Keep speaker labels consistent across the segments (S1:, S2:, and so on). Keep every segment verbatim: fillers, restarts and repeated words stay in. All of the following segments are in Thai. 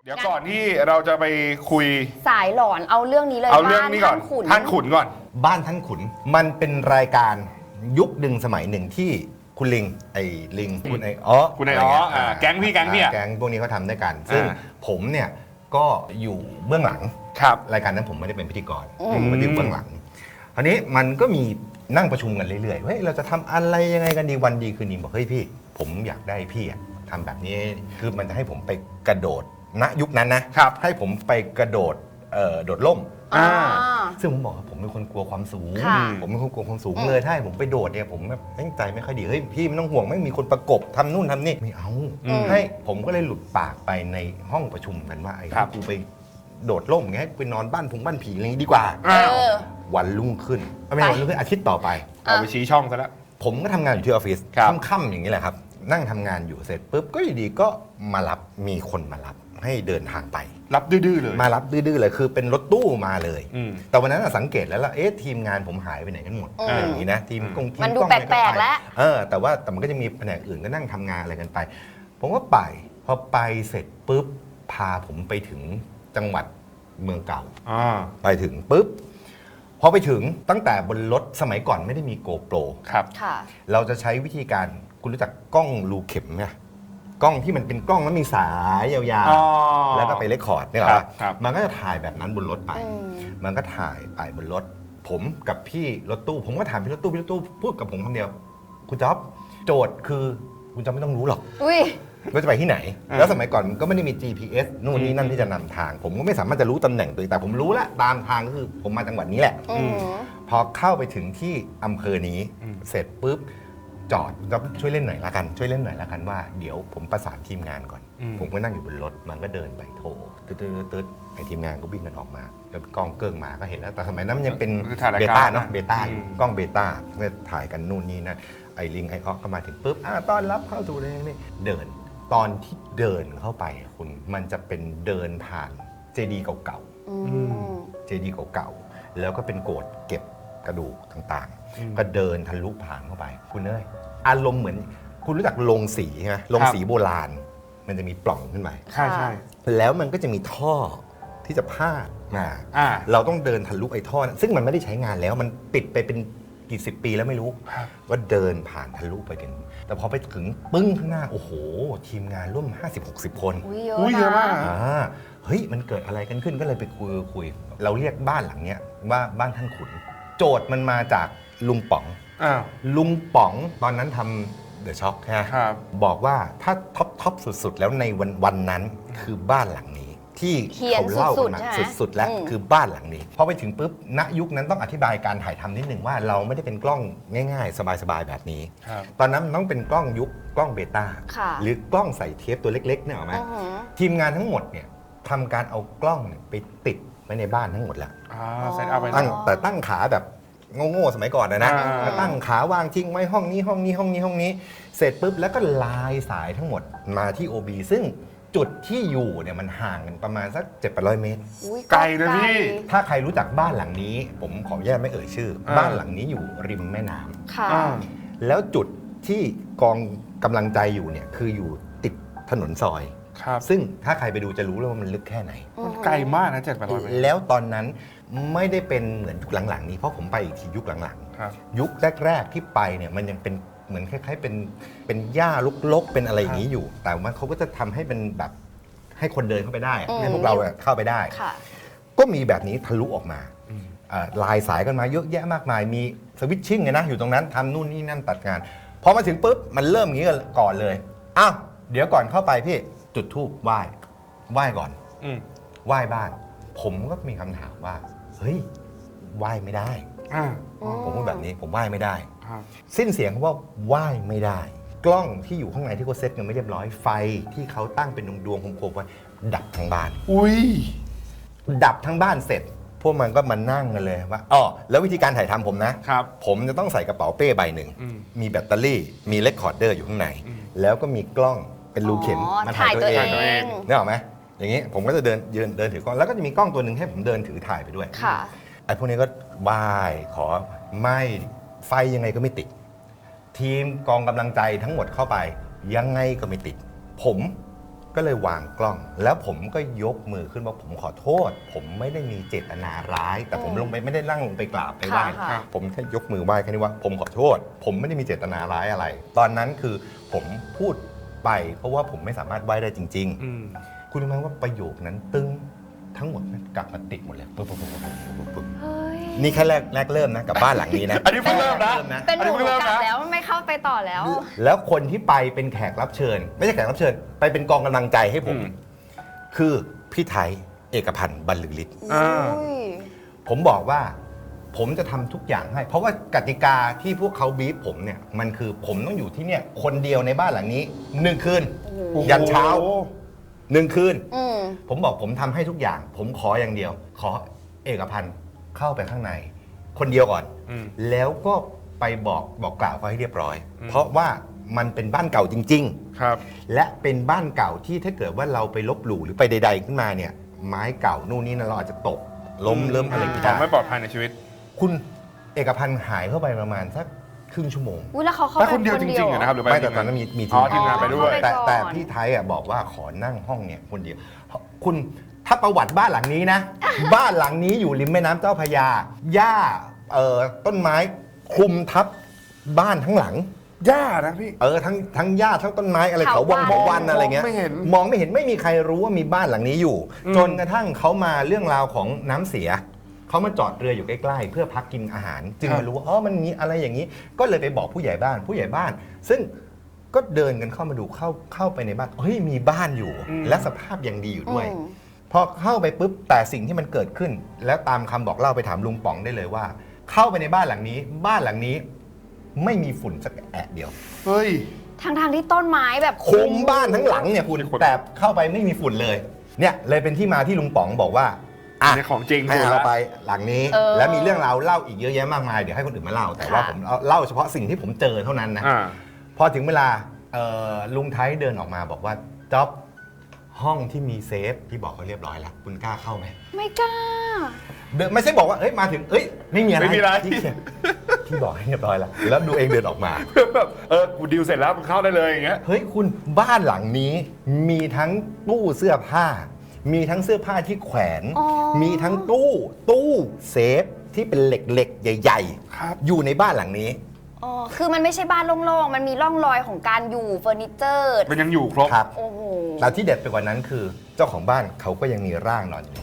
S1: เดี๋ยวก่อนที่เราจะไปคุย
S2: สายหลอนเอาเรื่องนี้เลย
S1: เอาเรื่องนี้ก่อน
S2: บ้านท่านขุน
S1: ท่านขุนก่อน
S3: บ้านท่านขุนมันเป็นรายการยุคหนึ่งสมัยหนึ่งที่คุณลิงไอ้ลิงคุณไอ้อ๋อ
S1: คุณไอ้อ๋ออ่าแก๊งพี่แก๊งพี่อะ
S3: แก๊งพวกนี้เขาทำด้วยกัน ซึ่ง
S1: อ่า
S3: ผมเนี่ยก็อยู่เบื้องหลัง
S1: ครับ
S3: รายการนั้นผมไม่ได้เป็นพิธีกร
S2: อืม
S3: ผมมาอยู่เบื้องหลังคราวนี้มันก็มีนั่งประชุมกันเรื่อยๆเฮ้ยเราจะทำอะไรยังไงกันดีวันดีคืนดีบอกเฮ้ยพี่ ผมอยากได้พี่อะทำแบบนี้คือมันจะให้ผมไปกระโดดณยุคนั้นนะครับ ให้ผมไปกระโดดเอ่อโดดร่ม
S2: อ่า
S3: ซึ่งผมบอกว่าผมเป็นคนกลัวความสูง
S2: ค่ะ
S3: ผมเป็นคนกลัวความสูง
S2: อืม
S3: เลยถ้าให้ผมไปโดดเนี่ยผมแบบตั้งใจไม่ค่อยดี เฮ้ยพี่ไม่ต้องห่วงไม่มีคนประกบทำนู่นทำนี่ไม่เอา
S1: อืม
S3: ให้ผมก็เลยหลุดปากไปในห้องประชุมกันว่าไอ้
S1: ครับ
S3: กูไปโดดร่มอย่างเงี้ยให้ไปนอนบ้านผงบ้านผีอะไรอย่างงี้ดีกว่า
S2: เออ
S3: วันรุ่งขึ้นไม่ใช่วันรุ่งขึ้นอาทิตย์ต่อไป
S1: เอาไปชี้ช่องซะแล้ว
S3: ผมก็ทำงานอยู่ที่ออฟฟิศ
S1: ครับ
S3: ค่ำๆอย่างนี้แหละครับ นั่งทำงานอยู่เสร็จปุ๊บก็อยู่ดีก็มารับมีคนมารับให้เดินทางไป
S1: รับดื้อๆเลย
S3: มารับดื้อๆเลยคือเป็นรถตู้มาเลย
S1: อืม
S3: แต่วันนั้นนะสังเกตแล้วล่ะเอ๊ะทีมงานผมหายไปไหนกันหมด
S2: อืม
S3: อย่างนี้นะทีมกงที
S2: มันดู
S3: กล้องอะไร
S2: แปลกๆ
S3: ไป
S2: แล้ว
S3: เออแต่ว่าแต่มันก็จะมีแผนกอื่นก็นั่งทำงานอะไรกันไป ผมก็ไปพอไปเสร็จปุ๊บพาผมไปถึงจังหวัดเมืองเก่า
S1: อ่า
S3: ไปถึงปุ๊บพอไปถึงตั้งแต่บนรถสมัยก่อนไม่ได้มีโกโปร
S1: ครับ
S2: ค่ะ
S3: เราจะใช้วิธีการคุณรู้จักกล้องรูเข็มไหมกล้องที่มันเป็นกล้องแล้วมีสายยาว
S1: อ๋อ
S3: ๆ แล้วก็ไปเรคคอร์ดเนี่ยเหร
S1: ครั
S3: อบ
S1: ครับ
S3: มันก็จะถ่ายแบบนั้นบนรถไป
S2: อืม
S3: มันก็ถ่ายไปบนรถ ผมกับพี่รถตู้ ผมก็ถามพี่รถตู้พี่รถตู้พูดกับผมคำเดียว คุณจ๊อบโจทย์คือคุณจ๊อบไม่ต้องรู้หรอก
S2: อุ้ย
S3: ว่าจะไปที่ไหน
S1: อ่า
S3: แล้วสมัยก่อนก็ไม่ได้มี จี พี เอส นู่นนี่นั่นที่จะนำทาง ผมก็ไม่สามารถจะรู้ตำแหน่งตัวเองแต่ผมรู้ละตามทางก็คือผมมาจังหวัดนี้แหละ
S2: อืม
S3: พอเข้าไปถึงที่อำเภอนี้
S1: อืม
S3: เสร็จปุ๊บจอดก็ช่วยเล่นหน่อยละกัน ช่วยเล่นหน่อยละกันว่าเดี๋ยวผมประสานทีมงานก่อน
S1: อืม
S3: ผมก็นั่งอยู่บนรถมันก็เดินไปโทรตึ๊ดตึ๊ดตึ๊ดไอทีมงานก็วิ่งกันออกมาแล้วกล้องเกิ้งมาก็เห็นแล้วแต่สมัยนั้นมันยังเป็น
S1: คือถ่ายราย
S3: เบ
S1: การ
S3: ต้าเนาะ
S1: นะ
S3: เบต้าอยู่
S1: อืม
S3: กล้องเบต้าเมื่อถ่ายกันนู่นนี่นะไอลิงไอออกก็มาถึงปุ๊บอ่าต้อนรับเข้าสู่เลยนี่เดินตอนที่เดินเข้าไปอะคุณมันจะเป็นเดินผ่านเจดีย์เก่าๆ
S2: อืม
S3: เจดีย์เก่าๆ แล้วก็เป็นโกดเก็บกระดูกต่าง
S1: อืม
S3: ๆ ก็เดินทะลุผ่านเข้าไป คุณเอ้ยอารมณ์เหมือนคุณรู้จักโรงสีใช่ไหมโรงสีโบราณ มันจะมีปล่องขึ้นไป
S1: ใช่ใช่
S3: แล้วมันก็จะมีท่อที่จะพาดมา
S1: อ่า
S3: เราต้องเดินทะลุไอ้ท่อนั้นซึ่งมันไม่ได้ใช้งานแล้ว มันปิดไปเป็นกี่สิบปีแล้วไม่รู้
S1: ครับ
S3: ก็เดินผ่านทะลุไปถึง แต่พอไปถึงปึ้งข้างหน้า โอ้โห ทีมงานร่วม ห้าสิบหกสิบ คน
S2: อุ้ยเยอะ
S1: อุ้ยเยอะ
S2: นะ
S1: มาก
S3: อ่าเฮ้ยมันเกิดอะไรกันขึ้นก็เลยไปคุยคุย เราเรียกบ้านหลังเนี้ยว่าบ้านท่านขุน โจทย์มันมาจากลุงป๋อง
S1: อ้าว
S3: ลุงป๋องตอนนั้นทำเดอะช็อคใช่ไหม
S1: ครับ
S3: บอกว่าถ้าท็อปท็อปสุดๆ แล้วในวันวันนั้นคือบ้านหลังนี้ ที่
S2: เฮียน
S3: เขาเล่า
S2: สุ
S3: กั
S2: ด
S3: น
S2: ๆ
S3: มา
S2: ใช่ไหม
S3: สุดๆ แล้ว
S2: อืม
S3: คือบ้านหลังนี้พอไปถึงปุ๊บณยุคนั้นต้องอธิบายการถ่ายทำนิดหนึ่งว่าเราไม่ได้เป็นกล้องง่ายๆ สบายๆแบบนี้
S1: ครับ
S3: ตอนนั้นมันต้องเป็นกล้องยุคกล้องเบต้า
S2: ค่ะ
S3: หรือกล้องใส่เทปตัวเล็กๆเนี่ยหรอไหม
S2: อือหือ
S3: ทีมงานทั้งหมดเนี่ยทำการเอากล้องเนี่ยไปติดไว้ในบ้านทั้งหมดแล้ว
S1: อ่าเซตเอาไป
S3: ตั้ง
S2: อ๋อ
S3: แต่ตั้งขาแบบโง่ๆสมัยก่อนนะนะ
S1: อ่า
S3: แล้วตั้งขาวางทิ้งไว้ห้องนี้ห้องนี้ห้องนี้ห้องนี้ เสร็จปุ๊บแล้วก็ลายสายทั้งหมดมาที่ โอ บี ซึ่งจุดที่อยู่เนี่ยมันห่างกันประมาณสักเจ็ดแปดร้อยเมตร
S2: อุ๊ย
S1: ไกลนะพี่
S3: ถ้าใครรู้จักบ้านหลังนี้ ผมขออนุญาตไม่เอ่ยชื่อ
S1: อ่า
S3: บ้านหลังนี้อยู่ริมแม่น้ำ
S2: ค่ะ
S1: อ่า
S3: แล้วจุดที่กองกำลังใจอยู่เนี่ยคืออยู่ติดถนนซอย
S1: ครับ
S3: ซึ่งถ้าใครไปดูจะรู้เลยว่ามันลึกแค่ไหน
S1: มันไกลมากนะเจ็ดแปดร้อยเมตร
S3: แล้วตอนนั้นไม่ได้เป็นเหมือนยุคหลังๆนี้เพราะผมไปอีกทียุคหลัง
S1: ครับ
S3: ๆ ยุคแรกๆที่ไปเนี่ยมันยังเป็นเหมือนคล้ายๆเป็นเป็นหญ้าลกๆเป็นอะไรอย่างนี้อยู่ แต่ว่าเขาก็จะทำให้เป็นแบบให้คนเดินเข้าไปได้อะ
S2: อืม
S3: ให้พวกเราอะเข้าไปได้
S2: ค่ะ
S3: ก็มีแบบนี้ทะลุออกมา
S1: อืม
S3: เอ่อลายสายกันมาเยอะแยะมากมาย มีสวิตชิ่งไงนะอยู่ตรงนั้นทำนู่นนี่นั่นตัดงานพอมาถึงปุ๊บมันเริ่มอย่างนี้ก่อนเลยอ้าวเดี๋ยวก่อนเข้าไปพี่จุดธูปไหว้ไหว้ก่อน
S1: อืม
S3: ไหว้บ้าน ผมก็มีคำถามว่า เฮ้ยไหว้ไม่ได้
S1: อ่า
S2: อืม
S3: ผมพูดแบบนี้ผมไหว้ไม่ได้
S1: ครับ
S3: สิ้นเสียงคำว่าไหว้ไม่ได้ กล้องที่อยู่ข้างในที่เขาเซ็ตกันไม่เรียบร้อยไฟที่เขาตั้งเป็นดวงๆโคมๆไว้ดับทั้งบ้าน
S1: อุ้ย
S3: ดับทั้งบ้านเสร็จ พวกมันก็มานั่งกันเลยว่าอ๋อแล้ววิธีการถ่ายทำผมนะ
S1: ครับ
S3: ผมจะต้องใส่กระเป๋าเป้ใบหนึ่ง
S1: อืม
S3: มีแบตเตอรี่ มีเรคคอร์ดเดอร์อยู่ข้างใน
S1: อืม
S3: แล้วก็มีกล้องเป็นรูเข็ม
S2: อ๋อ
S3: มา
S2: ถ่า
S3: ถ่าย ย
S2: ตั
S3: ตัว ว
S2: เอ
S3: เอง
S1: ตัวเอง
S2: ง
S3: นึกออกไหมอย่างนี้ผมก็จะเดินยืนเดินถือกล้องแล้วก็จะมีกล้องตัวหนึ่งให้ผมเดินถือถ่ายไปด้วย
S2: ค่ะ
S3: ไอ้พวกนี้ก็ไหว้ขอไม่ไฟยังไงก็ไม่ติด ทีมกองกำลังใจทั้งหมดเข้าไป ยังไงก็ไม่ติด ผมก็เลยวางกล้อง แล้วผมก็ยกมือขึ้นว่าผมขอโทษ ผมไม่ได้มีเจตนาร้าย แต่ผมลงไปไม่ได้นั่งลงไปกราบไปไหว้
S2: ค่ะค่ะ
S3: ผมแค่ยกมือไหว้แค่นี้ว่าผมขอโทษ ผมไม่ได้มีเจตนาร้ายอะไร ตอนนั้นคือผมพูดไปเพราะว่าผมไม่สามารถไหว้ได้จริง
S1: อืม
S3: ๆ คุณรู้ไหมว่าประโยคนั้นตึ้งทั้งหมดมันกลับมาติดหมดเลยปึ๊บปึ๊บปึ๊บปึ๊บปึ๊บปึ๊บ
S2: เฮ้ย
S3: นี่แค่แรกแรกเริ่มนะกับบ้านหลังนี้นะ
S1: อันนี้เพิ่งเริ่มนะ
S3: นะ
S2: เป็นหนู
S1: อันนี้เพิ่งเริ่ม
S2: กลับ
S1: นะ
S2: แล้วไม่เข้าไปต่อแล้ว
S3: แล้วคนที่ไปเป็นแขกรับเชิญ ไม่ใช่แขกรับเชิญ ไปเป็นกองกำลังใจให้ผม
S1: อืม
S3: คือพี่ไทยเอกพันธ์บรรลือฤทธิ์
S1: อ่า
S2: อุ้ย
S3: ผมบอกว่าผมจะทำทุกอย่างให้ เพราะว่ากติกาที่พวกเขาบีบผมเนี่ยมันคือผมต้องอยู่ที่เนี่ยคนเดียวในบ้านหลังนี้หนึ่งคืน ยันเช้า หนึ่งคืน
S2: อืม
S3: ผมบอกผมทำให้ทุกอย่าง ผมขออย่างเดียว ขอเอกพันธ์เข้าไปข้างใน คนเดียวก่อน
S1: อืม
S3: แล้วก็ไปบอกบอกกล่าวเขาให้เรียบร้อย
S1: อืม
S3: เพราะว่ามันเป็นบ้านเก่าจริง
S1: ครับ
S3: ๆ และเป็นบ้านเก่าที่ถ้าเกิดว่าเราไปลบหลู่หรือไปใด ๆ ขึ้นมาเนี่ย ไม้เก่านู่นนี่นะเราอาจจะตกล้ม
S1: อืม
S3: เริ่มอะไร
S2: อ่า
S3: ไม่
S1: ควา
S3: ได้
S1: มไม่ปลอดภัยในชีวิต
S3: คุณเอกพันธ์หายเข้าไปประมาณสักครึ่งชั่วโมง
S2: อุ้ยแล้วเขาเข้า
S1: ไป
S2: ไป
S1: คนเดียวจริงๆเหรอนะครับหรือไป
S3: ไม่แต่ตอนนั้นมีมี
S1: อ๋อทีมงานไปด้วย
S3: แต่
S2: เข้าไปก่อน
S3: แต่พี่ไทยอ่ะบอกว่าขอนั่งห้องเนี่ยคนเดียว คุณถ้าประวัติบ้านหลังนี้นะ บ้านหลังนี้อยู่ริมแม่น้ำเจ้าพระยาหญ้าเอ่อต้นไม้คลุมทับบ้านทั้งหลัง
S1: ย่านะพี่
S3: เออทั้งทั้งหญ้าทั้งต้นไม้อะไรเขาวัง
S2: เขา
S3: เขา
S2: วั
S3: วัน
S2: น
S3: อะไรเงี้ย
S1: มองไม่เห็น
S3: มองไม่เห็นไม่มีใครรู้ว่ามีบ้านหลังนี้อยู่
S1: อืม
S3: จนกระทั่งเขามาเรื่องราวของน้ำเสียเขามาจอดเรืออยู่ใกล้ๆเพื่อพักกินอาหาร จึงมารู้ว่าอ๋อมันมีอะไรอย่างนี้ ก็เลยไปบอกผู้ใหญ่บ้านผู้ใหญ่บ้าน ซึ่งก็เดินกันเข้ามาดูเข้าเข้าไปในบ้านเฮ้ยมีบ้านอยู่
S1: อืม
S3: และสภาพยังดีอยู่ด้วย
S2: อืม
S3: พอเข้าไปปุ๊บแต่สิ่งที่มันเกิดขึ้น แล้วตามคำบอกเล่าไปถามลุงป๋องได้เลยว่า เข้าไปในบ้านหลังนี้ บ้านหลังนี้ ไม่มีฝุ่นสักแอะเดียว
S1: เฮ้ย
S2: ทางทางๆที่ต้นไม้แบบ
S3: คุมบ้านทั้งหลังเนี่ยคุณ
S1: มีคน
S3: แต่เข้าไปไม่มีฝุ่นเลย เนี่ยเลยเป็นที่มาที่ลุงป๋องบอกว่าอ่ะ
S1: ในของจริง
S3: ให้
S1: ถูก
S3: เอา
S1: แล้ว
S3: ไปหลังนี้
S2: เออ
S3: แล้วมีเรื่องราวเล่าอีกเยอะแยะมากมายเดี๋ยวให้คนอื่นมาเล่า แต่ว่า
S2: ค่ะ
S3: ผมเอาเล่าเฉพาะสิ่งที่ผมเจอเท่านั้นนะ
S1: อ่า
S3: พอถึงเวลาเอ่อลุงไทยเดินออกมาบอกว่าจ๊อบห้องที่มีเซฟที่บอกเขาเรียบร้อยแล้วคุณกล้าเข้าไหม
S2: ไม่กล้า
S3: เดินไม่ใช่บอกว่าเอ้ยมาถึงเอ้ยไม่มีอะไร
S1: ไม่มีอะไร
S3: ที่ที่บอกให้เรียบร้อยแล้วแล้วดูเองเดินออกมา
S1: แบบเออกูดิวเสร็จแล้วมึงเข้าได้เลยอย่างเงี้ย
S3: เฮ้ยคุณบ้านหลังนี้มีทั้งตู้เสื้อผ้า มีทั้งเสื้อผ้าที่แขวน
S2: อ๋อ
S3: มีทั้งตู้ตู้เซฟที่เป็นเหล็กๆ ใหญ่
S1: ครับ
S3: ๆ อยู่ในบ้านหลังนี้
S2: อ๋อ คือมันไม่ใช่บ้านโล่งๆ มันมีร่องรอยของการอยู่เฟอร์นิเจอร์
S1: มันยังอยู่ครบ
S3: ครับ
S2: โอ้โห
S3: แต่ที่เด็ดไปกว่านั้นคือ เจ้าของบ้านเขาก็ยังมีร่างนอนอยู่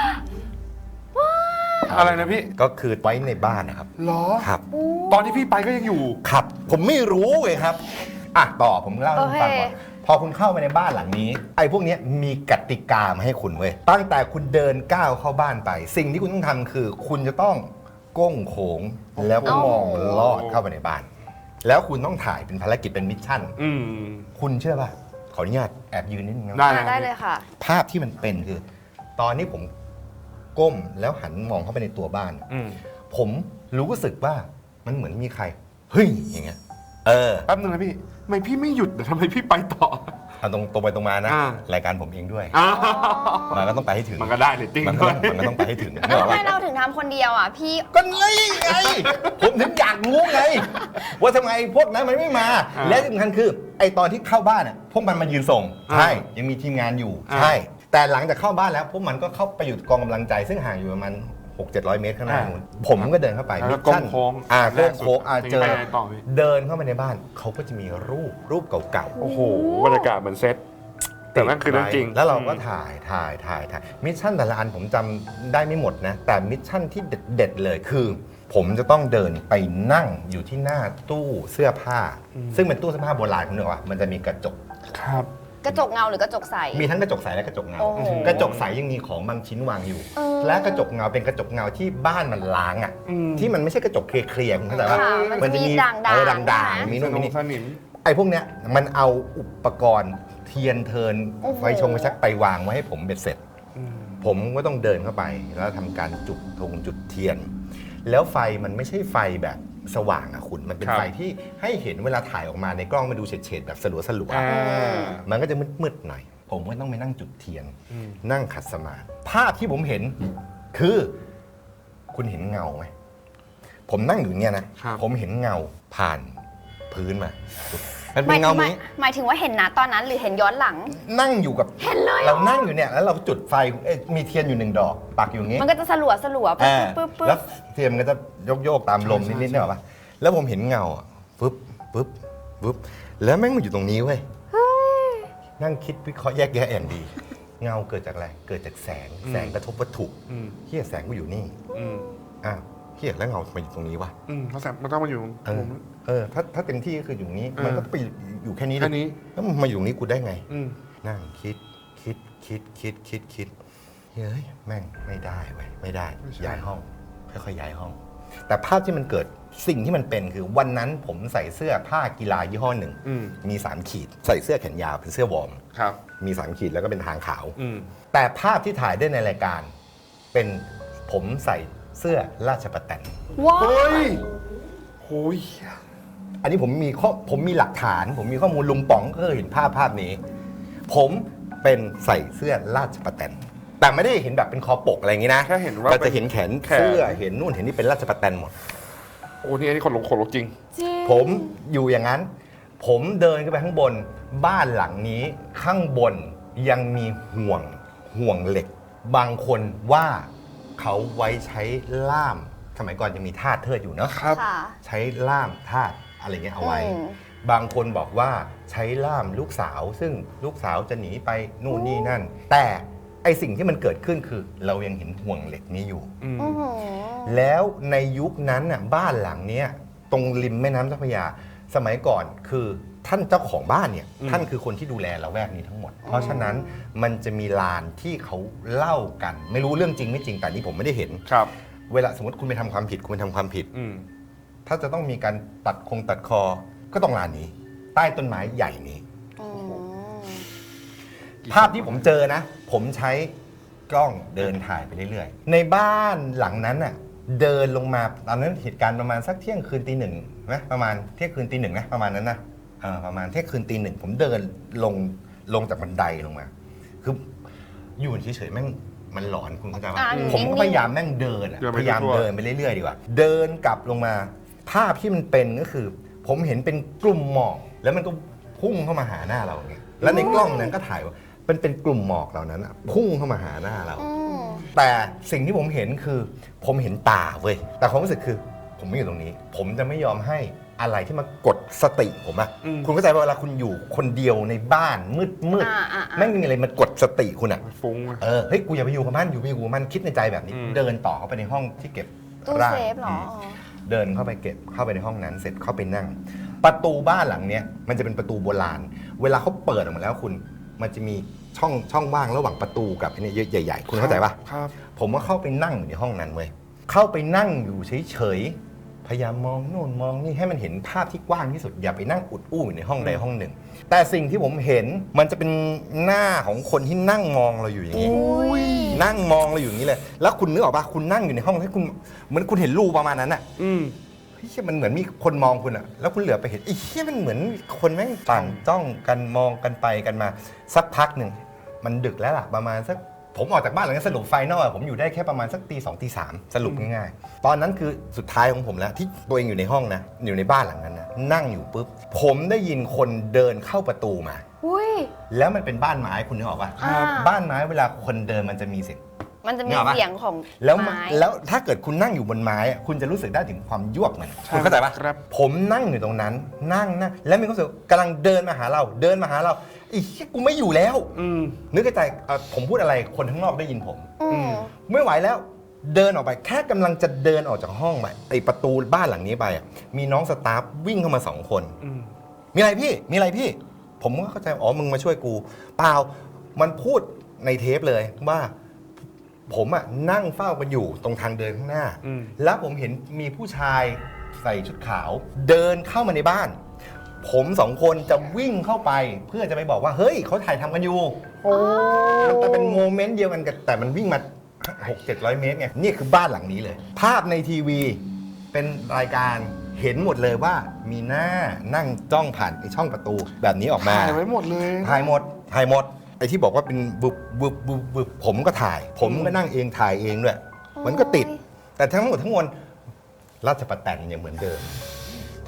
S1: อะไรนะพี่
S3: ก็คือไว้ในบ้านนะครับ
S1: หรอ
S3: ครับ
S1: ตอนที่พี่ไปก็ยังอยู่
S3: ครับ ผมไม่รู้เลยครับอ่ะต่อผมเล่าให้คุณฟังก่อน
S2: โอเค
S3: พอคุณเข้าไปในบ้านหลังนี้ ไอ้พวกเนี้ยมีกติกามาให้คุณเว้ยตั้งแต่คุณเดินก้าวเข้าบ้านไป สิ่งที่คุณต้องทำคือ คุณจะต้องก้งโขงแล้วก็มองลอดเข้าไปในบ้าน แล้วคุณต้องถ่ายเป็นภารกิจเป็นมิชชั่น
S1: อืม
S3: คุณเชื่อป่ะขออนุญาตแอบยืนนิดนึงนะ
S1: ได้
S2: อ่าได้เลยค่ะ
S3: ภาพที่มันเป็นคือ ตอนนี้ผมก้มแล้วหันมองเข้าไปในตัวบ้าน
S1: อืม
S3: ผมรู้สึกว่ามันเหมือนมีใครเฮ้ยอย่างเงี้ยเออ
S1: แป๊บนึงนะพี่ทำไมพี่ไม่หยุดแต่ทำไมพี่ไปต่อ
S3: เอาตรงตรงไปตรงมานะ
S1: อ่า
S3: รายการผมเองด้วย
S1: อ้าว
S3: มันก็ต้องไปให้ถึง
S1: มันก็ได้เลยจริง
S3: มันก็
S1: ด้ว
S3: ต้
S1: ย
S3: องมันก็ต้องไปให้ถึง
S2: แล้ว
S3: นึกอ
S2: ทำ
S3: อก
S2: ไม
S3: ปะ
S2: เราถึงทำคนเดียวอ่ะ พี่
S3: ก็ไงไง ผมถึงอยากรู้ไง ว่าทำไมพวกนั้นมันไม่มา
S1: อ่า
S3: และที่สำคัญคือ ไอตอนที่เข้าบ้านอ่ะพวกมันมายืนส่ง
S1: อ่า
S3: ใช่ยังมีทีมงานอยู่
S1: อ่า
S3: ใช่ แต่หลังจากเข้าบ้านแล้วพวกมันก็เข้าไปอยู่กองกำลังใจ ซึ่งห่างอยู่ประมาณหกเจ็ดร้อยเมตรข้างหน้านู้นผมก็เดินเข้าไป
S1: แล้วก็
S3: มิชชั่น
S1: โค้งๆ
S3: อ่า
S1: แร
S3: โค้
S1: ก
S3: ง
S1: สุด
S3: โค้งอ่าเจอ
S1: ไปไหนต่อพี่
S3: เดินเข้าไปในบ้านเขาก็จะมีรูปรูปเก่าๆ
S1: โอ้โหบรรยากาศเหมือนเซตแต่นั่นคือเรื่องจริง
S3: แล้วเราก็ถ่ายถ่ายถ่ายถ่ายมิชชั่นแต่ละอันผมจำได้ไม่หมดนะ แต่มิชชั่นที่เด็ดๆเลยคือ ผมจะต้องเดินไปนั่งอยู่ที่หน้าตู้เสื้อผ้า ซึ่งเป็นตู้เสื้อผ้าโบราณคุณนึกว่ามันจะมีกระจก
S1: ครับ
S2: กระจกเงาหรือกระจกใส
S3: มีทั้งกระจกใสและกระจกเงา
S2: โอ้โห
S3: กระจกใสยังมีของบางชิ้นวางอยู่
S2: เออ
S3: และกระจกเงาเป็นกระจกเงาที่บ้านมันล้างอ่ะ
S1: อืม
S3: ที่มันไม่ใช่กระจกเคลียร์ๆคุณเข้าใจปะ
S2: ค่ะมันจะมีด่างๆ
S3: เออด่าง
S2: ใช่ไหม
S3: ๆมี
S1: ส
S3: นู่น
S1: น
S3: มี
S1: ง
S3: นี่
S1: สนิม
S3: ไอ้พวกเนี้ยมันเอาอุปกรณ์เทียนเทิน
S2: โอ้โห
S3: ไฟชงไฟชักไปวางไว้ให้ผมเบ็ดเสร็จ
S1: อืม
S3: ผมก็ต้องเดินเข้าไปแล้วทำการจุดธงจุดเทียน แล้วไฟมันไม่ใช่ไฟแบบสว่างอะคุณ มันเป็น
S1: ครับ
S3: ไฟที่ให้เห็นเวลาถ่ายออกมาในกล้องมาดูเฉดๆแบบสลัวสลัวๆ
S1: อ่า
S3: มันก็จะมืดๆหน่อย ผมก็ต้องไปนั่งจุดเทียน
S1: อืม
S3: นั่งขัดสมาธิภาพที่ผมเห็นคือ คุณเห็นเงาไหมผมนั่งอยู่เนี่ยนะ
S1: ครับ
S3: ผมเห็นเงาผ่านพื้นมามัน
S2: ห
S3: เป็
S2: มาน ย
S3: เงา
S2: ถึง
S3: นี้
S2: หมายถึงว่าเห็นนะตอนนั้นหรือเห็นย้อนหลัง
S3: นั่งอยู่กับ
S2: เห็นเลยเหรอ
S3: เรานั่งอยู่เนี่ยแล้วเราจุดไฟเอ้ยมีเทียนอยู่หนึ่งดอกปักอยู่อย่างงี้
S2: มันก็จะสลัวสลัวๆ
S3: อ่า
S2: ปึ๊บปึ๊บ
S3: แล้ว
S2: ปึ๊บ
S3: เทียนมันก็จะโยกโยกๆตามลม
S1: ใช่
S3: นิดๆ
S1: ใช่
S3: เนี่ยหรอปะแล้วผมเห็นเงาอ่ะปึ๊บปึ๊บปึ๊บแล้วแม่งมันอยู่ตรงนี้เว้ยนั่งคิดวิเคราะห์แยกแยะอย่างดี เงาเกิดจากอะไรเกิดจากแสงแสงกระทบวัตถุ
S1: อืม
S3: เฮียแสงกูอยู่นี่
S1: อืม
S3: อ้าวเฮียแล้วเงาทำไมอยู่ตรงนี้วะ
S1: อืมเขาแสบมันต้องมาอยู่
S3: เอ
S1: ผ
S3: อ
S1: ม
S3: เออถ้าถ้าเต็มที่ก็คืออยู่นี้
S1: เออ
S3: มันก็ไปอยู่แค่นี้
S1: แค่นี้
S3: แล้วมันมาอยู่ตรงนี้กูได้ไง
S1: อืม
S3: นั่งคิดคิดคิดคิดคิดคิดเฮ้ยแม่งไม่ได้เว้ยไม่ได้ย้ายห้องค่อยๆย้ายห้อง แต่ภาพที่มันเกิดสิ่งที่มันเป็นคือวันนั้นผมใส่เสื้อผ้ากีฬายี่ห้อหนึ่ง
S1: อืม
S3: มีสามขีด ใส่เสื้อแขนยาวเป็นเสื้อวอร์ม
S1: ครับ
S3: มีสามขีดแล้วก็เป็นทางขาว
S1: อืม
S3: แต่ภาพที่ถ่ายได้ในรายการ เป็นผมใส่เสื้อราชประแตน
S2: ว้าว
S1: เฮ้ยโอ้ย
S3: อันนี้ผมมีข้อผมมีหลักฐาน ผมมีข้อมูลลุงป๋องก็เคยเห็นภาพภาพนี้ ผมเป็นใส่เสื้อราชประแตนแต่ไม่ได้เห็นแบบเป็นคอปกอะไรอย่างนี้นะ
S1: แค่เห็นว่า
S3: เราจะเห็นแขน
S1: แขน
S3: เสื้อเห็นนู่นเห็นนี่เป็นราชประแตนหมด
S1: โอ้นี่อันนี้คนลงคนลงจริง
S2: จริง
S3: ผมอยู่อย่างนั้น ผมเดินขึ้นไปข้างบน บ้านหลังนี้ข้างบนยังมีห่วงห่วงเหล็ก บางคนว่าเขาไว้ใช้ล่ามสมัยก่อนจะมีทาสเทิดอยู่เนาะ
S1: ครับ
S2: ค่ะ
S3: ใช้ล่ามทาสอะไรเงี้ยเอาไว้
S2: อืม
S3: บางคนบอกว่าใช้ล่ามลูกสาว ซึ่งลูกสาวจะหนีไปนู่นนี่นั่น แต่ไอสิ่งที่มันเกิดขึ้นคือเรายังเห็นห่วงเหล็กนี้อยู่
S1: อืม
S2: อื้อหือ
S3: แล้วในยุคนั้นน่ะบ้านหลังเนี้ยตรงริมแม่น้ำเจ้าพระยา สมัยก่อนคือท่านเจ้าของบ้านเนี่ย
S1: อืม
S3: ท่านคือคนที่ดูแลละแวกนี้ทั้งหมด เพราะฉะนั้นมันจะมีลานที่เขาเล่ากัน ไม่รู้เรื่องจริงไม่จริงแต่นี่ผมไม่ได้เห็น
S1: ครับ
S3: เวลาสมมติคุณไปทำความผิดคุณไปทำความผิด
S1: อืม
S3: ถ้าจะต้องมีการตัดคงตัดคอ ก็ต้องลานนี้ ใต้ต้นไม้ใหญ่นี้
S2: อืม
S3: ภาพที่ผมเจอนะ ผมใช้กล้องเดินถ่ายไปเรื่อยๆ ในบ้านหลังนั้นน่ะเดินลงมาตอนนั้นเหตุการณ์ประมาณสักเที่ยงคืนตีหนึ่งไหมประมาณเที่ยงคืนตีหนึ่งนะประมาณนั้นนะเออประมาณเที่ยงคืนตีหนึ่งผมเดินลงลงจากบันไดลงมา คืออยู่เฉยๆแม่งมันหลอนคุณเข้าใจป่ะ
S2: อ่า
S3: ผมก็
S2: นิ่งๆ
S3: พยายามแม่งเดินอะ
S1: เดินไป
S3: พยายาม
S1: ทั่วๆ
S3: เดินไปเรื่อยๆดีกว่า เดินกลับลงมา ภาพที่มันเป็นก็คือ ผมเห็นเป็นกลุ่มหมอกแล้วมันก็พุ่งเข้ามาหาหน้าเราอย่างเงี้ยแล้วในกล้องนั้นก็ถ่ายว่าเป็นเป็นกลุ่มหมอกเหล่านั้นอะพุ่งเข้ามาหาหน้าเรา
S2: อืม
S3: แต่สิ่งที่ผมเห็นคือ ผมเห็นตาเว้ยแต่ความรู้สึกคือ ผมไม่อยู่ตรงนี้ ผมจะไม่ยอมให้อะไรที่มากดสติผมอะ
S1: อืม
S3: คุณเข้าใจว่าเวลาคุณอยู่คนเดียวในบ้านมืดมืด
S2: อ่าอ่าอ่า
S3: ไม่มีอะไรมากดสติคุณอะ
S1: ฟุ้งอะ
S3: เออเฮ้ยกูอย่าไปอยู่กับมันอยู่ไปอยู่กับมันคิดในใจแบบนี้
S1: อืม
S3: เดินต่อเข้าไปในห้องที่เก็บ
S2: ตู้
S3: ร่าง
S2: เซฟเหรอ
S3: มเดินเข้าไปเก็บเข้าไปในห้องนั้น เสร็จเข้าไปนั่ง ประตูบ้านหลังเนี้ยมันจะเป็นประตูโบราณ เวลาเขาเปิดออกมาแล้วคุณมันจะมีช่องช่องว่างระหว่างประตูกับไอ้นี่ใหญ่ๆ คุณเข้าใจปะ
S1: ครับ
S3: ผมก็เข้าไปนั่งอยู่ในห้องนั้นเว้ย เข้าไปนั่งอยู่เฉยๆ พยายามมองโน่นมองนี่ให้มันเห็นภาพที่กว้างที่สุด อย่าไปนั่งอุดอู้อยู่ในห้องใดห้องหนึ่ง แต่สิ่งที่ผมเห็นมันจะเป็นหน้าของคนที่นั่งมองเราอยู่อย่างนี้
S2: อุ้ย
S3: นั่งมองเราอยู่อย่างนี้เลย แล้วคุณนึกออกปะคุณนั่งอยู่ในห้องที่คุณเหมือนคุณเห็นรูประมาณนั้นอะ
S1: อืม
S3: เฮ้ยมันเหมือนมีคนมองคุณอะแล้วคุณเหลือไปเห็นไอ้เหี้ยมันเหมือนคนแม่งต่างจ้องกันมองกันไปกันมา สักพักหนึ่งมันดึกแล้วล่ะประมาณสักผมออกจากบ้านหลังนั้นสรุปไฟนอลอะผมอยู่ได้แค่ประมาณสักตีสองตีสามสรุปง่ายๆ ตอนนั้นคือสุดท้ายของผมแล้วที่ตัวเองอยู่ในห้องนะอยู่ในบ้านหลังนั้นนะนั่งอยู่ปุ๊บผมได้ยินคนเดินเข้าประตูมา
S2: อุ้ย
S3: แล้วมันเป็นบ้านไม้คุณนึกออกปะ
S2: อ่า
S3: บ้านไม้เวลาคนเดินมันจะมีเสียง
S2: มันจะมี
S3: นึกออกปะ
S2: เสียงของ
S3: แล้ว
S2: ไม้
S3: แล้วถ้าเกิดคุณนั่งอยู่บนไม้อะคุณจะรู้สึกได้ถึงความยวบมัน
S1: ใช่
S3: คุณเข้าใจปะ
S1: ครับ
S3: ผมนั่งอยู่ตรงนั้น นั่งนั่งแล้วมีความรู้สึกกำลังเดินมาหาเรา เดินมาหาเราไอ้เหี้ยกูไม่อยู่แล้ว
S1: อืม
S3: นึกในใจเอ่อผมพูดอะไรคนข้างนอกได้ยินผม
S2: อืม
S3: ไม่ไหวแล้ว เดินออกไปแค่กำลังจะเดินออกจากห้องไปไอประตูบ้านหลังนี้ไปอะมีน้องสตาฟวิ่งเข้ามาสองคน
S1: อืม
S3: มีอะไรพี่ มีอะไรพี่ ผมก็เข้าใจ อ๋อ มึงมาช่วยกู เปล่า มันพูดในเทปเลยว่า ผมอะนั่งเฝ้ากันอยู่ตรงทางเดินข้างหน้า
S1: อืม
S3: แล้วผมเห็นมีผู้ชายใส่ชุดขาว เดินเข้ามาในบ้าน ผมสองคนจะวิ่งเข้าไป เพื่อจะไปบอกว่า เฮ้ยเขาถ่ายทำกันอยู่
S1: โอ้
S3: มันจะเป็นโมเมนต์เดียวกันกับแต่มันวิ่งมาหกเจ็ดร้อยเมตรไง นี่คือบ้านหลังนี้เลย ภาพในทีวีเป็นรายการเห็นหมดเลยว่ามีหน้านั่งจ้องผ่านไอช่องประตูแบบนี้ออกมา
S1: ถ่ายไว้หมดเลย
S3: ถ่ายหมด ถ่ายหมด ไอที่บอกว่าเป็นบุบบุบบุบบุบผมก็ถ่าย ผมก็นั่งเองถ่ายเองด้วย มันก็ติด แต่ทั้งหมดทั้งมวลราชประแตนยังเหมือนเดิม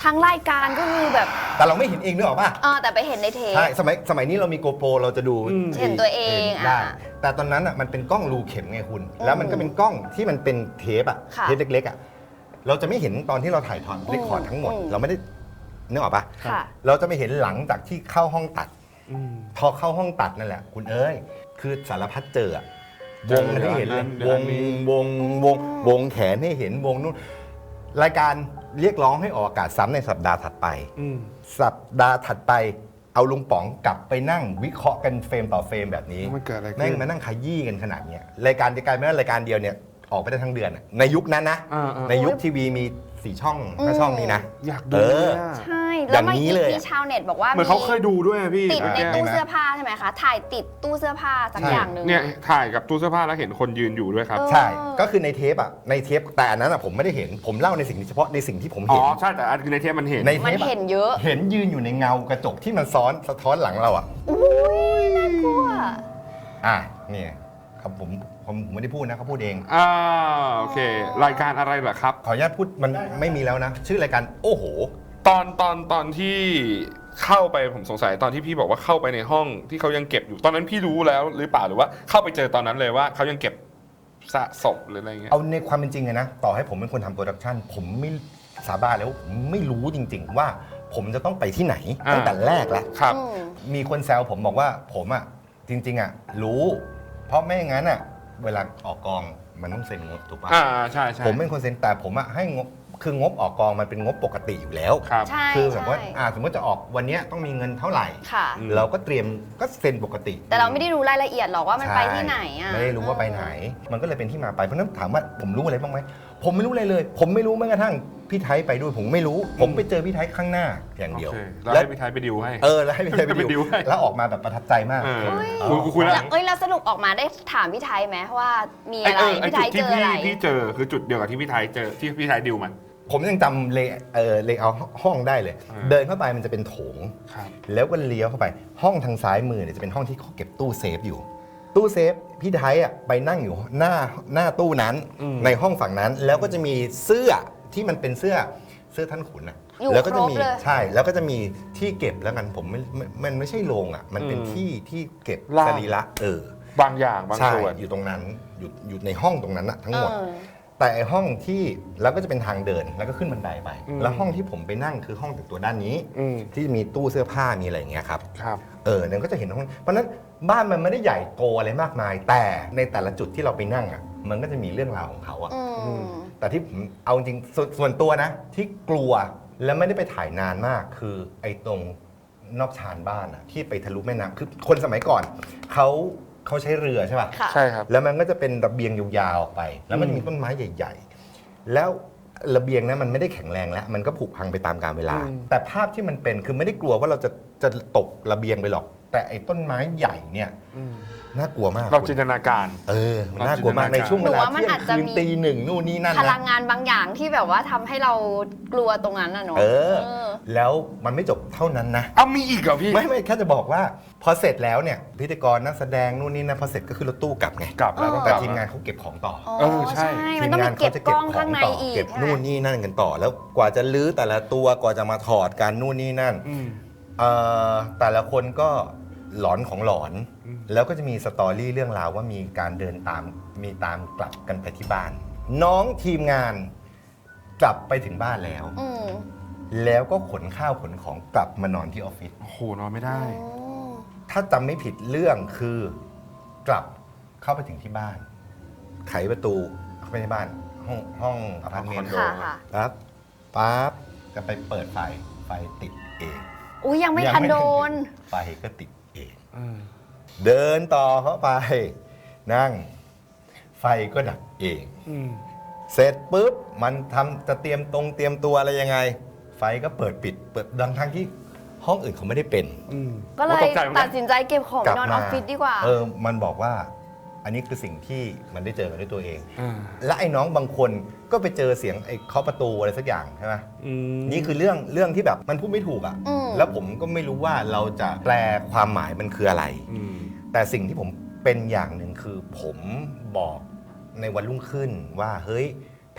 S2: ทั้งรายการก็คือแบบ
S3: แต่เราไม่เห็นเองนึกออกป่ะ
S2: เออแต่ไปเห็นในเทป
S3: ใช่สมัยสมัยนี้เรามีโกโปรเราจะดู
S1: อืม
S2: เห็นตัวเอง
S3: ห็นได้
S2: อ่ะ
S3: แต่ตอนนั้นอ่ะมันเป็นกล้องรูเข็มไงคุณ
S2: อืม
S3: แล้วมันก็เป็นกล้องที่มันเป็นเทปอ่ะ
S2: ค่ะ
S3: เทปเล็กๆอ่ะเราจะไม่เห็นตอนที่เราถ่ายทอดเรคคอร์ดทั้งหมด
S2: อืม
S3: เราไม่ได้นึกออกป่ะ
S2: ค่ะ
S3: เราจะไม่เห็นหลังจากที่เข้าห้องตัด
S1: อืม
S3: พอเข้าห้องตัดนั่นแหละ คุณเอ้ย คือสารพัดเจออะวงให้เห็นเลย
S1: เดี๋ยว
S3: ว
S1: อั
S3: ง
S1: นนี้
S3: วงวงวงแขนให้เห็นวงนู้นรายการเรียกร้องให้ออกอากาศซ้ำในสัปดาห์ถัดไป
S1: อืม
S3: สัปดาห์ถัดไปเอาลุงป๋องกลับไปนั่งวิเคราะห์กันเฟรมต่อเฟรมแบบนี้
S1: มันเกิดอะไรขึ้น
S3: แม่งมานั่งขยี้กันขนาดเนี้ยรายการจะกลายเป็นว่ารายการเดียวเนี่ยออกไปได้ทั้งเดือนอะในยุคนั้นนะ
S1: อ่าๆ
S3: ในยุคทีวีมีสี่ช่องห้าช่องนี้นะ
S1: อยากดู
S3: เออ
S1: เลยอะ
S2: ใช่แล้วมัน
S3: อย่างนี้
S2: มี
S3: เลย
S2: มีชาวเน็ตบอกว่า
S1: เหมือนเขาเคยดูด้วยอะพี่
S2: ติดใน
S1: แก
S2: ตู้
S3: นะ
S2: เสื้อผ้าใช่ไหมคะ ถ่ายติดตู้เสื้อผ้าสัก
S3: ใช่
S2: อย่างหนึ่ง
S1: เนี่ยถ่ายกับตู้เสื้อผ้าแล้วเห็นคนยืนอยู่ด้วยครับ
S2: เออ
S3: ใช่ ก็คือในเทปอ่ะ ในเทปแต่อันนั้นอ่ะผมไม่ได้เห็น ผมเล่าในสิ่งที่เฉพาะในสิ่งที่ผม
S1: อ๋
S3: เห็
S1: อน ใช่แต่อันคือในเทปมันเห็น
S3: ในเท
S2: มัน
S3: ปอะ
S2: เห็นเยอะ
S3: เห็นยืนอยู่ในเงากระจกที่มันซ้อนสะท้อนหลังเราอ่ะ
S2: อุ้ยน่ากลัว
S3: อ่ะเนี่ยครับผมผมผมไม่ได้พูดนะเขาพูดเอง
S1: อ่าโอเค รายการอะไรเหรอครับ
S3: ขออนุญาตพูดมันไม่มีแล้วนะ ชื่อรายการโอ้โห
S1: ตอนตอนตอนที่เข้าไปผมสงสัยตอนที่พี่บอกว่าเข้าไปในห้องที่เขายังเก็บอยู่ตอนนั้นพี่รู้แล้วหรือเปล่าหรือว่าเข้าไปเจอตอนนั้นเลยว่าเขายังเก็บสะสมหรืออะไรเงี้ย
S3: เอาในความเป็นจริงเลยนะ ต่อให้ผมเป็นคนทำโปรดักชันผมไม่สาบานแล้วาผมไม่รู้จริง ๆ ว่าผมจะต้องไปที่ไหน
S1: อ่า
S3: ตั้งแต่แรกแล้ว
S1: ครับ
S2: อืม
S3: มีคนแซวผมบอกว่าผมอ่ะจริง ๆอ่ะรู้ เพราะไม่อย่างนั้นอ่ะเวลาออกกองมันต้องเซ็นงบถูกปะ
S1: อ่าใช่ใช่
S3: ผมเป็นคนเซ็นแต่ผมอะให้งบคืองบออกกองมันเป็นงบปกติอยู่แล้ว
S1: ครับ
S2: ใช่
S3: คือแบบว่า
S2: ใช่
S3: อ่าสมมติจะออกวันเนี้ยต้องมีเงินเท่าไหร่
S2: ค่ะ
S1: อืม
S3: เราก็เตรียมก็เซ็นปกติ
S2: แต่เราไม่ได้รู้รายละเอียดหรอกว่ามันไปที่ไหนอ่ะ
S3: ไม่ได้รู้ว่าไปไหน มันก็เลยเป็นที่มาไปเพราะฉะนั้นถามว่าผมรู้อะไรบ้างไหมผมไม่รู้อะไรเลย ผมไม่รู้แม้กระทั่งพี่ไทยไปด้วยผมไม่รู้ ผมไปเจอพี่ไทยข้างหน้าอย่างเดียว
S1: โอเคแล้วให้พี่ไทยไปดิวให้
S3: เออแล้วให้พี่ไทยไป
S1: ไปดิ
S3: ดิ
S1: ว
S3: ว
S1: ให้
S3: แล้วออกมาแบบประทับใจมาก
S1: เออ
S3: เอ
S1: คุ
S3: อย
S1: คุยแล้ว
S2: แล้วเอ้ยแล้วสรุปออกมาได้ถามพี่ไทยไหมว่ามี
S1: ไอ้
S2: อะไร
S1: เออไอ้
S2: พี่ไท
S1: จุด
S2: ยเจ
S1: ที่
S2: อ
S1: พี่
S2: อะไร
S1: พี่เจอคือจุดเดียวกับที่พี่ไทยเจอที่พี่ไทยดิวมัน
S3: ผมยังจำเลเออเลเอาห้องได้เลย
S1: อ่า
S3: เดินเข้าไปมันจะเป็นโถง
S1: ครับ
S3: แล้วก็เลี้ยวเข้าไปห้องทางซ้ายมือเนี่ยจะเป็นห้องที่เขาเก็บตู้เซฟอยู่ ตู้เซฟพี่ไทยอ่ะไปนั่งอยู่หน้าหน้าตู้นั้น
S1: อืม
S3: ในห้องฝั่งนั้น แล้วก็จะมีเสื้อที่มันเป็นเสื้อเสื้อท่านขุนนะ
S2: อยู่
S3: แล้วก็จะมี
S2: ครบเลย
S3: ใช่แล้วก็จะมีที่เก็บแล้วกันผมไม่ไม่มันไม่ใช่โรงอ่ะมันเป็น
S1: อืม
S3: ที่ที่เก็บ
S1: ล่าง
S3: สรีระเออบ
S1: างอย่างบาง
S3: ใช่
S1: ส่วน
S3: อยู่ตรงนั้นอยู่อยู่ในห้องตรงนั้นอะทั้งหมด
S2: เออ
S3: แต่ไอห้องที่แล้วก็จะเป็นทางเดินแล้วก็ขึ้นบันไดไป
S1: อืม
S3: แล้วห้องที่ผมไปนั่งคือห้องแต่งตัวด้านนี้
S1: อืม
S3: ที่มีตู้เสื้อผ้ามีอะไรอย่างเงี้ยครับ
S1: ครับ
S3: เออเนี่ยก็จะเห็นห้องเพราะฉะนั้นบ้านมันไม่ได้ใหญ่โตอะไรมากมาย แต่ในแต่ละจุดที่เราไปนั่งอ่ะมันก็จะมีเรื่องราวของเขาอ่ะ
S2: อืม
S3: แต่ที่ผมเอาจริงสวนส่วนตัวนะ ที่กลัวแล้วไม่ได้ไปถ่ายนานมาก คือไอ้ตรงนอกชานบ้านอ่ะที่ไปทะลุแม่น้ำคือคนสมัยก่อนเขาเขาใช้เรือใช่ป่ะ
S2: ค่ะ
S1: ใช่ครับ
S3: แล้วมันก็จะเป็นระเบียงยาวๆออกไป แล้วมันจะมีต้นไม้ใหญ่ ๆ แล้วระเบียงนั้นมันไม่ได้แข็งแรงแล้ว มันก็ผุพังไปตามกาลเวลา
S1: อืม
S3: แต่ภาพที่มันเป็นคือไม่ได้กลัวว่าเราจะจะตกระเบียงไปหรอก แต่ไอ้ต้นไม้ใหญ่เนี่ย
S1: อืม
S3: น่ากลัวมาก
S1: เรา
S3: คุณ
S1: จินตนาการ
S3: เออมันน่ากลัวมากในช่วงเวลา
S2: หนูว่ามัน
S3: เที่ย
S2: อาจ
S3: ง
S2: จะ
S3: คืน
S2: มี
S3: ตีหนึ่งนู่นนี่นั่น
S2: พลั
S3: นะ
S2: งงานบางอย่างที่แบบว่าทำให้เรากลัวตรงนั้นน่ะเนาะ
S3: เออ
S2: เออ
S3: แล้วมันไม่จบเท่านั้นนะ
S1: เอามีอีกเหรอพี่
S3: ไม่ไม่แค่จะบอกว่า พอเสร็จแล้วเนี่ยพิธีกรนักแสดงนู่นนี่นะพอเสร็จก็คือรถตู้กลับไง
S1: กลับแล้วต้องก
S3: แต่
S1: ลับ
S3: ทีมงานเขาเก็บของต่อ
S2: อ๋อ
S1: เออใช่
S2: มันต้องมีเก็บกล้องข้างในอีก
S3: เก็บ
S2: ใช่ไหม
S3: นู่นนี่นั่นกันต่อ แล้วกว่าจะลื้อแต่ละตัวกว่าจะมาถอดการนู่นนี่นั่น
S1: อืม
S3: เอ่อแต่ละคนก็หลอนของหลอน
S1: อืม
S3: แล้วก็จะมีสตอรี่เรื่องราวว่ามีการเดินตามมีตามกลับกันไปที่บ้าน น้องทีมงานกลับไปถึงบ้านแล้ว
S2: อืม
S3: แล้วก็ขนข้าวขนของกลับมานอนที่ออฟฟิศ
S1: โอ้โหนอนไม่ได้
S2: อ๋อ
S3: ถ้าจำไม่ผิดเรื่องคือกลับเข้าไปถึงที่บ้าน ไขประตูเข้าไปในบ้าน ห้องห้องอพาร์ตเมนต์
S1: คอนโด
S2: ค่ะค่ะ
S3: ปั๊บปั๊บจะไปเปิดไฟไฟติดเอง
S2: อุ้ยยังไม่ทันโดน
S3: ไฟก็ติดเอง
S1: อืม
S3: เดินต่อเข้าไป นั่ง ไฟก็ดับเอง
S1: อืม
S3: เสร็จปุ๊บมันทำจะเตรียมตรงเตรียมตัวอะไรยังไง ไฟก็เปิดปิด เปิดดังทั้งที่ห้องอื่นเขาไม่ได้เป็น
S1: อืม
S2: ก็เลย
S1: โอ้ตใจหมือน
S2: ตั
S1: กั
S2: ด
S1: น
S2: สินใจเก็บของนอนออฟฟิศดีกว่า
S3: เออมันบอกว่า อันนี้คือสิ่งที่มันได้เจอกันด้วยตัวเอง
S1: อ่า
S3: และไอ้น้องบางคนก็ไปเจอเสียงไอ้เคาะประตูอะไรสักอย่างใช่ไหม
S1: อืม
S3: นี่คือเรื่องเรื่องที่แบบมันพูดไม่ถูกอ่ะ
S2: อืม
S3: แล้วผมก็ไม่รู้ว่าเราจะแปลความหมายมันคืออะไร
S1: อืม
S3: แต่สิ่งที่ผมเป็นอย่างหนึ่งคือผมบอกในวันรุ่งขึ้นว่าเฮ้ย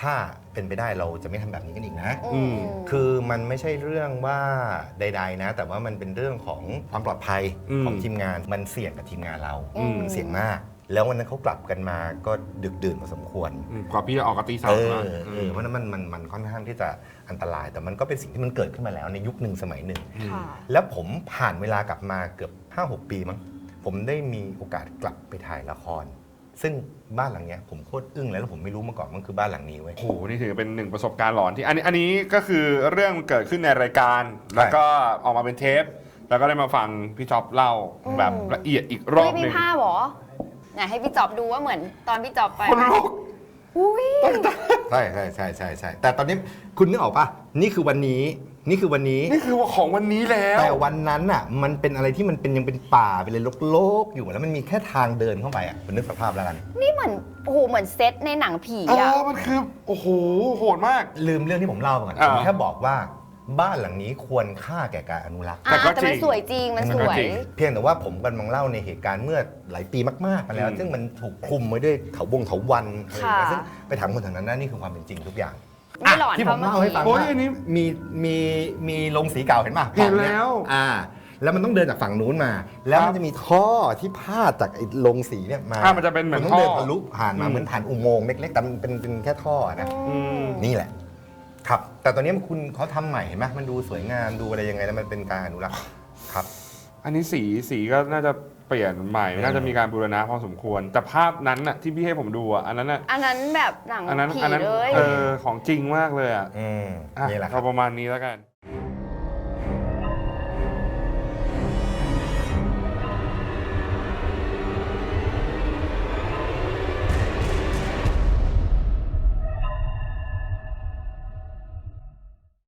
S3: ถ้าเป็นไปได้เราจะไม่ทำแบบนี้กันอีกนะ
S2: อืม
S3: คือมันไม่ใช่เรื่องว่าใด ๆ นะ แต่ว่ามันเป็นเรื่องของความปลอดภัย
S1: อืม
S3: ของทีมงานมันเสี่ยงกับทีมงานเรา
S2: อืม
S3: มันเสี่ยงมาก แล้ววันนั้นเขากลับกันมาก็ดึกดื่นพอสมควร
S1: อืมกว่าพี่จะออกกตีสา
S3: เอ
S1: ม
S3: อ
S1: นะ
S3: เออเพราะฉะนั้นมันมันมันค่อนข้างที่จะอันตราย แต่มันก็เป็นสิ่งที่มันเกิดขึ้นมาแล้วในยุคหนึ่งสมัยหนึ่ง
S2: ค่ะ
S3: แล้วผมผ่านเวลากลับมาเกือบ ห้าหก ปีมั้งผมได้มีโอกาสกลับไปถ่ายละคร ซึ่งบ้านหลังเนี้ยผมโคตรอึ้งเลยแล้วผมไม่รู้มาก่อนมันคือบ้านหลังนี้เว้ย
S1: โอ้โหนี่ถือเป็นหนึ่งประสบการณ์หลอนที่อันนี้อันนี้ก็คือเรื่องเกิดขึ้นในรายการ แล้วก็ออกมาเป็นเทป แล้วก็ได้มาฟังพี่จ๊อบเล่า
S2: อืม
S1: แบบละเอียดอีกรอบ
S2: ไม่
S1: ห
S2: มี
S1: นึ่ง
S2: ภาพเหรอไหนให้พี่จอบดูว่าเหมือนตอนพี่จอบไป
S1: คนลุก
S2: อุ้ย
S3: ใช่ใช่ใช่ใช่ใช่แต่ตอนนี้คุณนึกออกปะนี่คือวันนี้นี่คือวันนี้
S1: นี่คือของวันนี้แล้ว
S3: แต่วันนั้นอ่ะมันเป็นอะไรที่มันเป็นยังเป็นป่าไปเลยโลกๆอยู่แล้วมันมีแค่ทางเดินเข้าไปอ่ะคุณนึกสภาพแล้วกัน
S2: นี่เหมือนโอ้โหเหมือนเซตในหนังผี
S1: เอ
S2: อะ
S1: อมันคือโอ้โหโหดมาก
S3: ลืมเรื่องที่ผมเล่าไปก่อน
S1: อ่า
S3: ผมแค่บอกว่าบ้านหลังนี้ควรค่าแก่การอนุรักษ์
S1: แต่
S2: อ่า
S1: ก็
S2: แต่
S1: จริ
S2: มัน
S1: ง
S2: สวยจริงมันส
S1: ก็
S2: วย
S1: จริง
S3: เพียงแต่ว่าผมกำลังเล่าในเหตุการณ์เมื่อหลายปีมากๆมาแล้ว
S1: อืม
S3: ซึ่งมันถูกคลุมไว้ด้วยเถาบงเถาวันอะไรอย่างเงี้ย
S2: ค่ะ
S3: ซึ่งไปถามคนแถวนั้นนะนี่คือความเป็นจริงทุกอย่าง
S2: ไม่หลอน
S3: อ่ะที่ผม
S2: เพราะ
S3: เล่าให้ฟัง
S1: โอ้ย
S3: ว่า
S1: อันนี้
S3: มีมีมีโรงสีเก่าเห็นป่ะ
S1: เห็นแล้ว
S3: อ่า แล้วมันต้องเดินจากฝั่งนู้นมา แล้ว
S1: ครั
S3: มั
S1: บ
S3: นจะมีท่อที่พาดจากไอ้โรงสีเนี่ยมา
S1: อ่ะมันจะเป็นเหมือน
S3: คุณต้องเดิน
S1: ท่อ
S3: ทะลุผ่านมา
S1: อืม
S3: เหมือนผ่านอุโมงค์เล็กๆแต่มันเป็นเป็นแค่ท่อนะ
S2: อืม
S3: นี่แหละ ครับ แต่ตอนนี้คุณเขาทำใหม่เห็นไหมมันดูสวยงามดูอะไรยังไงแล้วมันเป็นการอนุรักษ์ครับ
S1: อันนี้สีสีก็น่าจะเปลี่ยนใหม่
S3: อืม
S1: น่าจะมีการบูรณะพอสมควร แต่ภาพนั้นน่ะที่พี่ให้ผมดูอ่ะอันนั้นน่ะ
S2: อันนั้นแบบหนัง
S1: อันนั้น
S2: ผี
S1: อันนั้น
S2: เลย
S1: เออของจริงมากเลยอ่ะ
S3: อืม
S1: อ่ะ
S3: นี่แหละค
S1: ก็
S3: รับ
S1: ประมาณนี้แล้วกัน